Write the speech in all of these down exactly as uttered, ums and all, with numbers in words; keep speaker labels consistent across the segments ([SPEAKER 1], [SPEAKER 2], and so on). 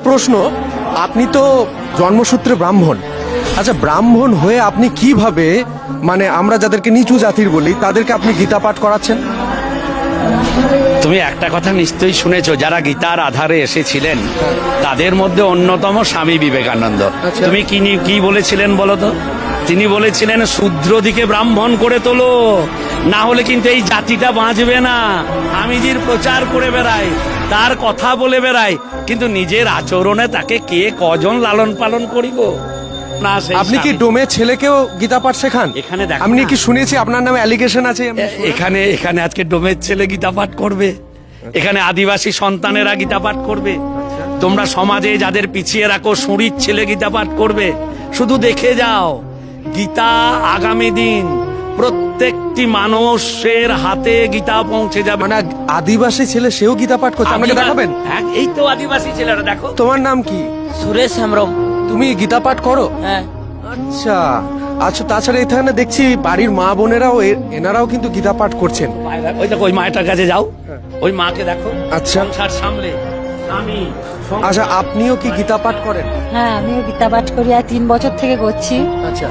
[SPEAKER 1] প্রশ্ন, আপনি তো জন্মসূত্রে ব্রাহ্মণ, আচ্ছা ব্রাহ্মণ হয়ে আপনি কিভাবে, মানে আমরা যাদেরকে নিচু জাতির বলি তাদেরকে আপনি গীতা পাঠ করাচ্ছেন?
[SPEAKER 2] তুমি একটা কথা নিশ্চয়ই শুনেছো, যারা গীতার আধারে এসেছিলেন তাদের মধ্যে অন্যতম স্বামী বিবেকানন্দ।
[SPEAKER 1] আচ্ছা।
[SPEAKER 2] তুমি কি নি- কি বলেছিলেন বলো তো? তিনি বলেছিলেন শূদ্র দিকে ব্রাহ্মণ করে তোলো, না হলে কিন্তু এই জাতিটা বাঁচবে না। স্বামীজির প্রচার করে বেড়ায়, তার কথা বলে বেড়ায়, কিন্তু নিজের আচরণে তাকে কে কজন লালন পালন করিব না। সেই
[SPEAKER 1] আপনি কি
[SPEAKER 2] স্বামী-
[SPEAKER 1] ডোমে ছেলেকেও গীতা পাঠ শেখান?
[SPEAKER 2] এখানে দেখো
[SPEAKER 1] আপনি
[SPEAKER 2] না।
[SPEAKER 1] কি শুনেছি আপনার নামে অ্যালিগেশন আছে? আমি
[SPEAKER 2] এ- এখানে এখানে আজকে ডোমের ছেলে গীতা পাঠ করবে, এখানে আদিবাসী সন্তানেরা গীতা পাঠ করবে, তোমরা সমাজে যাদের পিছিয়ে রাখো সুরির ছেলে গীতা পাঠ করবে। শুধু দেখে যাও, গীতা আগামী দিন প্রত্যেকটি মানুষের হাতে গীতা পৌঁছে যাবে।
[SPEAKER 1] মানে আদিবাসী ছেলে সেও গীতা পাঠ করছে, আমাকে
[SPEAKER 2] আদিবা-
[SPEAKER 1] দেখাবেন?
[SPEAKER 2] হ্যাঁ, এই তো আদিবাসী ছেলেরা, দেখো।
[SPEAKER 1] তোমার নাম কি?
[SPEAKER 3] সুরেশ হেমব্রম।
[SPEAKER 1] তুমি গীতা পাঠ করো?
[SPEAKER 3] হ্যাঁ।
[SPEAKER 1] আচ্ছা আচ্ছা, তাছাড়া এখানে দেখছি বাড়ির মা বোনেরাও এ- এনারাও কিন্তু গীতা পাঠ করছেন।
[SPEAKER 2] ওই দেখো, ওই মায়ের কাছে যাও, ওই মাকে দেখো।
[SPEAKER 1] আচ্ছা।
[SPEAKER 2] সংসার সামলে আমি
[SPEAKER 1] আচ্ছা, আপনিও কি গীতা পাঠ করেন?
[SPEAKER 4] হ্যাঁ, আমিও গীতা পাঠ করি, আর তিন বছর থেকে করছি।
[SPEAKER 1] আচ্ছা।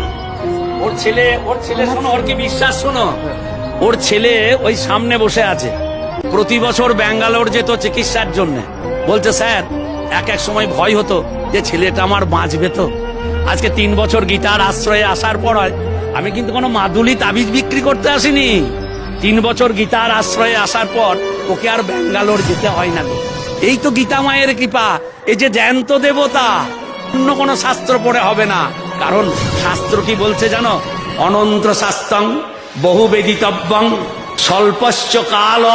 [SPEAKER 2] ওর ছেলে ওর ছেলে শোনো, ওর কি বিশ্বাস শোনো, ওর ছেলে ওই সামনে বসে আছে, প্রতি বছর ব্যাঙ্গালোর যেত চিকিৎসার জন্য। বলছে স্যার, এক এক সময় ভয় হতো যে ছেলেটা আমার বাঁচবে তো। আজকে তিন বছর গীতার আশ্রয়ে আসার পর আমি কিন্তু কোনো মাদুলি তাবিজ বিক্রি করতে আসিনি। তিন বছর গীতার আশ্রয়ে আসার পর ওকে আর ব্যাঙ্গালোর যেতে হয় না গো। এই তো গীতা মায়ের কৃপা, এই যে জ্যান্ত দেবতা। অন্য কোনো শাস্ত্র পড়ে হবে না, কারণ শাস্ত্র কি বলছে জানো? অনন্ত শাস্ত্রং বহু বেদিতব্যং স্বল্পশ্চ কাল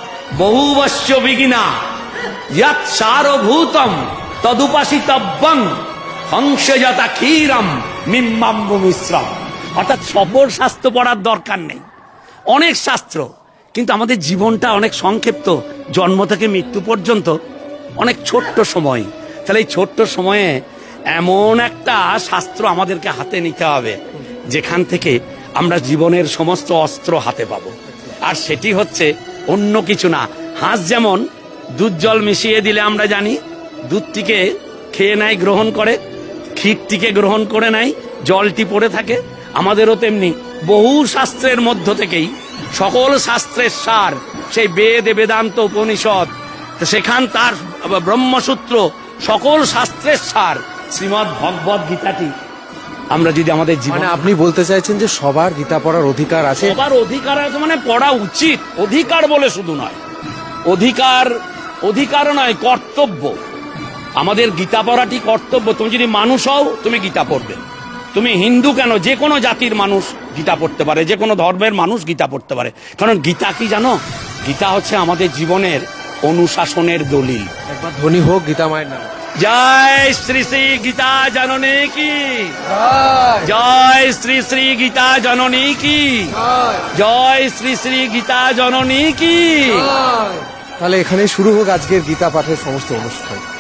[SPEAKER 2] বহুবশ্চ বিঘিনা ইয়াত সারভূতম তদুপাসিতব্যং হংসযতা ক্ষীরম মিম্বাম্বু মিশ্রম। অর্থাৎ সবর শাস্ত্র পড়ার দরকার নেই, অনেক শাস্ত্র, কিন্তু আমাদের জীবনটা অনেক সংক্ষিপ্ত, জন্ম থেকে মৃত্যু পর্যন্ত অনেক ছোট্ট সময়। তাহলে এই ছোট্ট সময়ে এমন একটা শাস্ত্র আমাদেরকে হাতে নিতে হবে যেখান থেকে আমরা জীবনের সমস্ত অস্ত্র হাতে পাবো। আর সেটি হচ্ছে অন্য কিছু না। হাঁস যেমন দুধ জল মিশিয়ে দিলে আমরা জানি দুধটিকে খেয়ে নেয়, গ্রহণ করে, ক্ষীরটিকে গ্রহণ করে নেয়, জলটি পড়ে থাকে। আমাদেরও তেমনি বহু শাস্ত্রের মধ্য থেকেই সকল শাস্ত্রের সার, সেই বেদ বেদান্ত উপনিষদ, সেখান তার ব্রহ্মসূত্র, সকল শাস্ত্রের সার শ্রীমদ্ ভগবদ গীতাটি আমরা যদি আমাদের জীবনে,
[SPEAKER 1] মানে আপনি বলতে চাইছেন যে সবার গীতা পড়ার অধিকার আছে?
[SPEAKER 2] সবার অধিকার আছে, মানে পড়া উচিত। অধিকার বলে শুধু নয়, অধিকার অধিকার নয়, কর্তব্য। আমাদের গীতা পড়াটি কর্তব্য। তুমি যদি মানুষ হও, তুমি গীতা পড়বে। তুমি হিন্দু কেন, যে কোনো জাতির মানুষ গীতা পড়তে পারে, যে কোনো ধর্মের মানুষ গীতা পড়তে পারে। কারণ গীতা কি জানো? গীতা হচ্ছে আমাদের জীবনের অনুশাসনের দলিল।
[SPEAKER 1] একবার ধ্বনি হোক গীতা মায়ের নাম।
[SPEAKER 2] জয় শ্রী শ্রী গীতা জননী কি, জয় শ্রী শ্রী গীতা জননী কি, জয় শ্রী শ্রী গীতা জননী কি।
[SPEAKER 1] তাহলে এখানে শুরু হোক আজকের গীতা পাঠের সমস্ত অনুষ্ঠান।